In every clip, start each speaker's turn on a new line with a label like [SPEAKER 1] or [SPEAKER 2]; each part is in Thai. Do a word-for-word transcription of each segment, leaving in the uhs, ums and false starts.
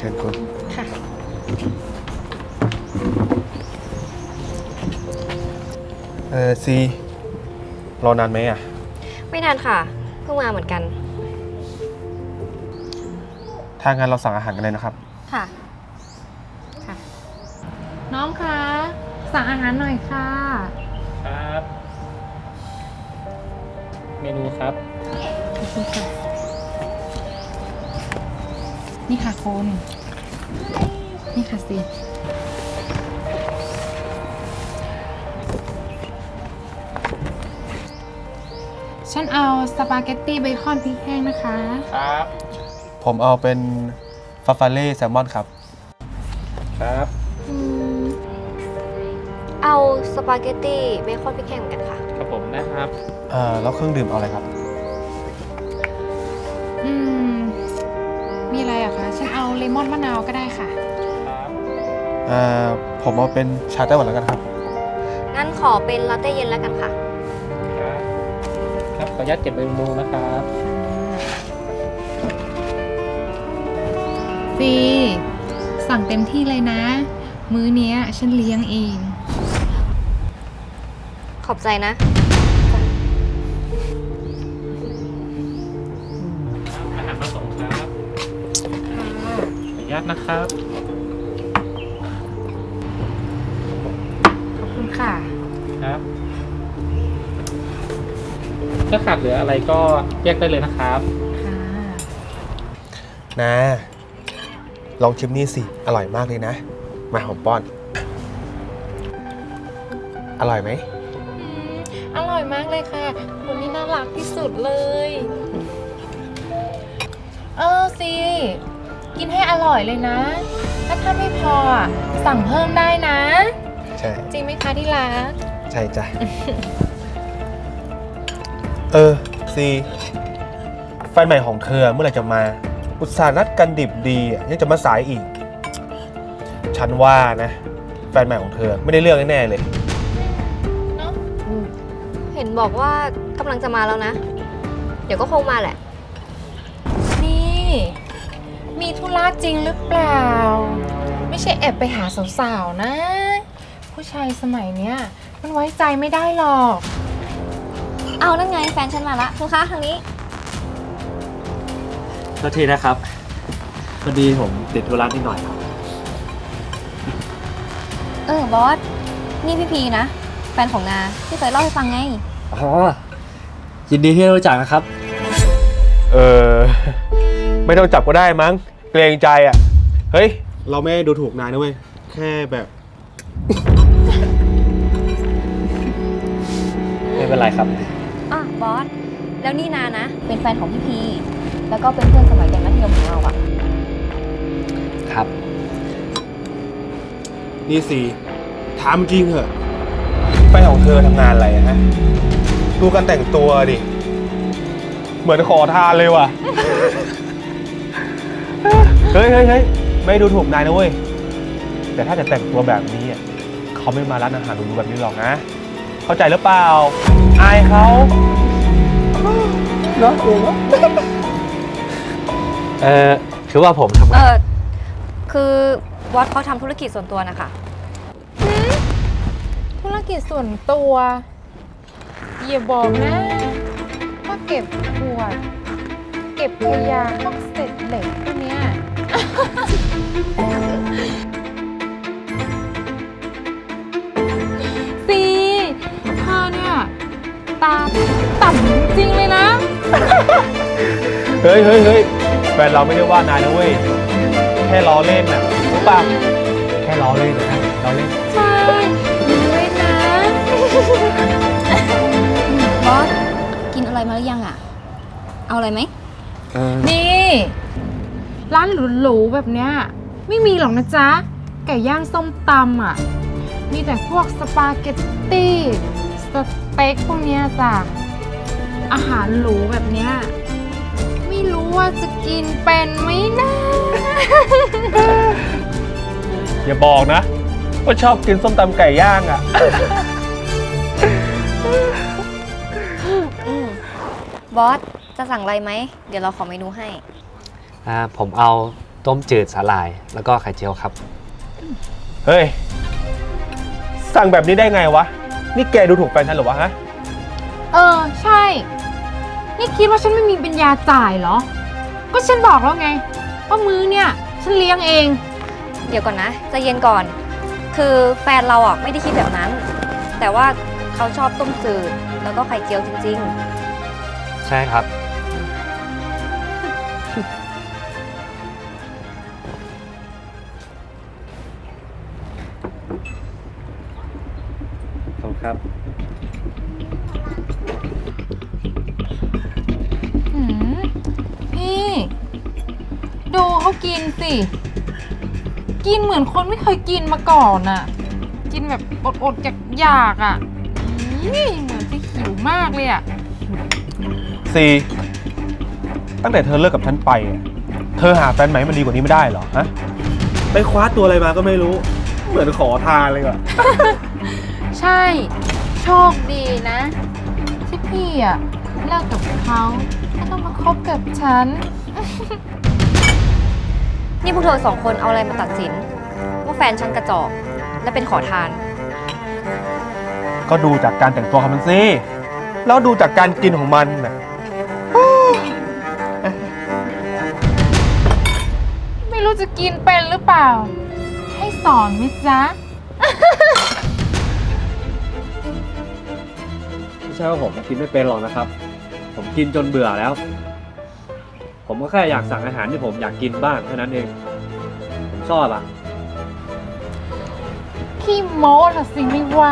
[SPEAKER 1] ชิญคุณ
[SPEAKER 2] ค่ะ
[SPEAKER 1] เออซีรอนานไหมอ่ะ
[SPEAKER 3] ไม่นานค่ะ เพิ่งมาเหมือนกัน
[SPEAKER 1] ถ้างั้นเราสั่งอาหารกันเลยนะครับ
[SPEAKER 3] ค่ะ
[SPEAKER 2] ค่ะ น้องคะสั่งอาหารหน่อยค่ะ
[SPEAKER 4] ครับ เมนูครับ
[SPEAKER 2] ขอบคุณค่ะ นี่ค่ะคุณนี่ค่ะสิฉันเอาสปาเกตตี้เบคอนพริกแห้งนะคะ
[SPEAKER 4] ครับ
[SPEAKER 1] ผมเอาเป็นฟาฟาเล่แซลมอนครับ
[SPEAKER 4] ครับ
[SPEAKER 3] อืม เอาสปาเกตตี้เบคอนพริกแห้งเหมือนกันค่ะ
[SPEAKER 4] ครับผมนะครับ
[SPEAKER 1] เอ่อแล้วเครื่องดื่มเอาอะไรครับ
[SPEAKER 2] อืม มีอะไรอะคะ ฉันเอาเลมอนมะนาวก็ได้ค่ะ
[SPEAKER 4] ครับ
[SPEAKER 1] เอ่อผมเอาเป็นชาไต้หวันแล้วกันครับ
[SPEAKER 3] งั้นขอเป็นลาเต้เย็นแล้วกันค่ะ
[SPEAKER 4] ครับ ครับขออนุญาตเก็บเมนูนะครับ
[SPEAKER 2] ซีสั่งเต็มที่เลยนะ มื้อเนี้ยฉันเลี้ยงเอง
[SPEAKER 3] ขอบใจนะ
[SPEAKER 4] อาหารมาส่งครับ ขออนุญาตนะครับ
[SPEAKER 2] ขอบคุณค่ะ
[SPEAKER 4] ครับ ถ้าขาดเหลืออะไรก็แยกได้เลยนะครับ
[SPEAKER 2] ค่ะ
[SPEAKER 1] นะ ลองชิมนี่สิ อร่อยมากเลยนะ มาหอมป้อน อร่อยไหม
[SPEAKER 2] อร่อยมากเลยค่ะคุณนี่น่ารักที่สุดเลย เออซีกินให้อร่อยเลยนะ ถ้าถ้าไม่พออะสั่งเพิ่มได้นะ
[SPEAKER 1] ใช่
[SPEAKER 2] จริงไหมคะที่รัก
[SPEAKER 1] ใช่จ้ะ เออซีแฟนใหม่ของเธอเมื่อไหร่จะมา อุตส่าห์นัดกันดิบดีอ่ะยังจะมาสายอีก ฉันว่านะ แฟนใหม่ของเธอไม่ได้เรื่องแน่ๆเลย
[SPEAKER 2] เนาะ
[SPEAKER 3] เห็นบอกว่ากำลังจะมาแล้วนะ เดี๋ยวก็คงมาแหละ
[SPEAKER 2] นี่ มีธุระจริงหรือเปล่า ไม่ใช่แอบไปหาสาวๆนะ ผู้ชายสมัยเนี้ยมันไว้ใจไม่ได้หรอก
[SPEAKER 3] เอานั่นไงแฟนฉันมาละคุณคะทางนี้
[SPEAKER 5] โทษทีนะครับพอดีผมติดธุระนิดหน่อยครับ
[SPEAKER 3] เออบอส นี่พี่พีนะ แฟนของนาที่เคยเล่าให้ฟังไง
[SPEAKER 5] อ๋อ ยินดีที่ได้รู้จักนะครับ
[SPEAKER 1] เออ ไม่ต้องจับก็ได้มั้ง เกรงใจอ่ะ เฮ้ย เราไม่ได้ดูถูกนายนะเว้ย แค่แบบ
[SPEAKER 5] ไม่เป็นไรครับ
[SPEAKER 3] อ่ะบอส แล้วนี่นานะ เป็นแฟนของพี่พี แล้วก็เป็นเพื่อนสมัยเรียนมัธยมของเราอะ
[SPEAKER 5] ครับ
[SPEAKER 1] นี่สิถามจริงเหอะแฟนของเธอทำงานอะไรอะฮะ ดูกันแต่งตัวดิ เหมือนขอทานเลยว่ะ เฮ้ยเฮ้ยเฮ้ยไม่ดูถูกนายนะเว้ย แต่ถ้าจะแต่งตัวแบบนี้อ่ะเขาไม่มาร้านอาหารหรูๆแบบนี้หรอกนะ เข้าใจหรือเปล่า อายเขาเนาะเองเนาะ
[SPEAKER 5] เออคือว่าผมทำ
[SPEAKER 3] เอง
[SPEAKER 5] าน
[SPEAKER 3] อ คือบอสเขาทำธุรกิจส่วนตัวนะคะ
[SPEAKER 2] ธุรกิจส่วนตัว อย่าบอกนะว่าเก็บขวด เก็บขยะพวกเศษเหล็กพวกเนี้ย ซีเธอเนี่ย ตาต่ำจริงเลยนะ
[SPEAKER 1] เฮ้ยเฮ้ยเฮ้ยแฟนเราไม่ได้ว่านายนะเว้ย แค่ล้อเล่นน่ะรู้ป่ะแค่ล้อเล่นนะล้อเล่น
[SPEAKER 2] ใช่ด้วยนะ
[SPEAKER 3] บอส กินอะไรมาหรือยังอะเอาอะไรไหม
[SPEAKER 5] เออ
[SPEAKER 2] นี่ ร้านหรูๆแบบเนี้ยไม่มีหรอกนะจ๊ะ ไก่ย่างส้มตำอ่ะ มีแต่พวกสปาเกตตี้ สเต็กพวกเนี้ยจ้ะ อาหารหรูแบบเนี้ยไม่รู้ว่าจะกินเป็นไหมนะ
[SPEAKER 1] อย่าบอกนะว่าชอบกินส้มตำไก่ย่างอ่ะ
[SPEAKER 3] อืมบอส จะสั่งอะไรไหม เดี๋ยวเราขอเมนูให้
[SPEAKER 5] อ่าผมเอา
[SPEAKER 6] ต้มจืดสาหร่าย แล้วก็ไข่เจียวครับ
[SPEAKER 1] เฮ้ย สั่งแบบนี้ได้ไงวะ นี่แกดูถูกแฟนฉันเหรอวะฮะ
[SPEAKER 2] เออ ใช่ นี่คิดว่าฉันไม่มีปัญญาจ่ายเหรอ ก็ฉันบอกแล้วไงว่ามื้อเนี่ยฉันเลี้ยงเอง
[SPEAKER 3] เดี๋ยวก่อนนะใจเย็นก่อน คือแฟนเราอ่ะไม่ได้คิดแบบนั้น แต่ว่าเขาชอบต้มจืดแล้วก็ไข่เจียวจริง
[SPEAKER 6] ใช่ครับ
[SPEAKER 5] ขอบคุณครับ
[SPEAKER 2] หืมพี่ ดูเขากินสิ กินเหมือนคนไม่เคยกินมาก่อนอะกินแบบอดๆอยากๆอะนี่เหมือนจะหิวมากเลยอะ
[SPEAKER 1] ซีตั้งแต่เธอเลิกกับฉันไปอะเธอหาแฟนใหม่ให้มันดีกว่านี้ไม่ได้เหรอฮะ ไปคว้าตัวอะไรมาก็ไม่รู้ เหมือนขอทานเลยอะ
[SPEAKER 2] ใช่ โชคดีนะ ที่พี่อะเลิกกับเขาแล้วต้องมาคบกับฉัน
[SPEAKER 3] ๆ นี่พวกเธอสองคนเอาอะไรมาตัดสิน ว่าแฟนฉันกระจอกและเป็นขอทาน
[SPEAKER 1] ก็ดูจากการแต่งตัวของมันสิแล้วดูจากการกินของมันน่ะ
[SPEAKER 2] ไม่รู้จะกินเป็นหรือเปล่า ให้สอนไหมจ๊ะ
[SPEAKER 5] ไม่ใช่ว่าผมกินไม่เป็นหรอกนะครับ ผมกินจนเบื่อแล้ว ผมก็แค่อยากสั่งอาหารที่ผมอยากกินบ้างแค่นั้นเอง ผมชอบอ่ะ
[SPEAKER 2] พี่โม้ละสิไม่ว่า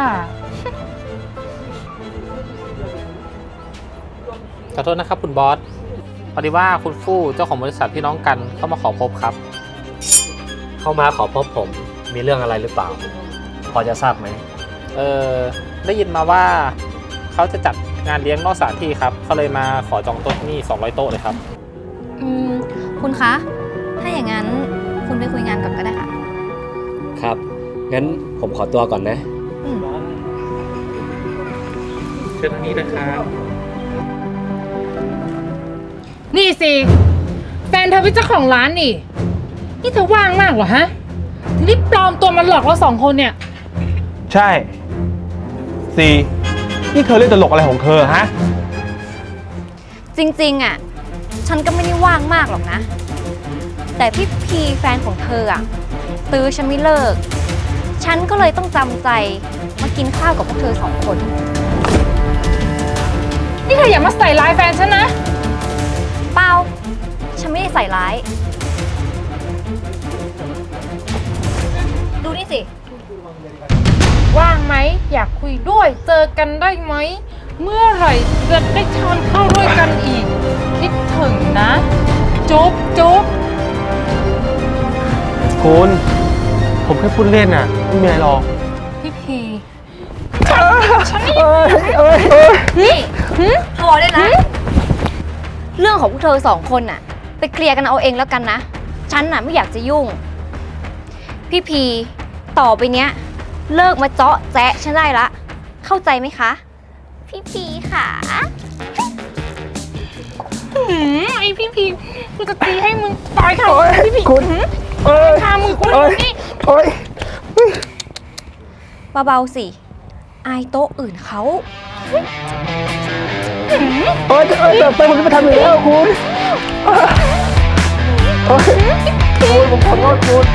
[SPEAKER 4] ขอโทษนะครับคุณบอส พอดีว่าคุณฟู่เจ้าของบริษัทพี่น้องกันเข้ามาขอพบครับ
[SPEAKER 6] เข้ามาขอพบผม มีเรื่องอะไรหรือเปล่า พอจะทราบไหม
[SPEAKER 4] เออได้ยินมาว่าเขาจะจัดงานเลี้ยงนอกสถานที่ครับเขาเลยมาขอจองโต๊ะที่นี่สองร้อยโต๊ะเลยครับ
[SPEAKER 3] อืม คุณคะ ถ้าอย่างนั้นคุณไปคุยงานก่อนก็ได้ค่ะ
[SPEAKER 6] ครับ งั้นผมขอตัวก่อนนะ
[SPEAKER 3] อืม
[SPEAKER 4] เชิญทางนี้นะครับ
[SPEAKER 2] นี่สิ แฟนเธอเป็นเจ้าของร้านนี่ นี่เธอว่างมากเหรอฮะถึงได้ปลอมตัวมาหลอกเราสองคนเนี่ย
[SPEAKER 1] ใช่ซีนี่เธอเล่นตลกอะไรของเธอฮะ
[SPEAKER 3] จริงๆ อ่ะ ฉันก็ไม่ได้ว่างมากหรอกนะ แต่พี่พีแฟนของเธออ่ะ ตื้อฉันไม่เลิก ฉันก็เลยต้องจำใจมากินข้าวกับพวกเธอสองคน
[SPEAKER 2] นี่เธออย่ามาใส่ร้ายแฟนฉันนะ
[SPEAKER 3] เปล่า ฉันไม่ได้ใส่ร้าย ดูนี่สิ
[SPEAKER 2] ว่างไหม อยากคุยด้วย เจอกันได้ไหม เมื่อไหร่จะได้ทานข้าวด้วยกันอีก คิดถึงนะ จุ๊บจุ๊บ
[SPEAKER 1] คุณ ผมแค่พูดเล่นน่ะ ไม่มีอะไรหรอก
[SPEAKER 2] พี่พี
[SPEAKER 3] นี่พอได้นะเรื่องของพวกเธอสองคนน่ะ ไปเคลียร์กันเอาเองแล้วกันนะ ฉันน่ะไม่อยากจะยุ่ง พี่พีต่อไปเนี้ย เลิกมาเจาะแจ๊ะฉันได้ละ เข้าใจไหมคะ พี่พีค่ะ
[SPEAKER 2] หืมไอพี่พีกูจะตีให้มึงตายค่ะพี่พี
[SPEAKER 1] คุณ เอ้ย
[SPEAKER 2] ทามือกู
[SPEAKER 1] เอ้ย
[SPEAKER 2] นี่
[SPEAKER 1] เอ้ย
[SPEAKER 3] เบาๆสิ อายโต๊ะอื่นเขา
[SPEAKER 1] เอ้ยเอ้ยแต่ไปผมจะไปทำอยู่แล้วคุณเอ้ยคุณผมขอโทษคุณ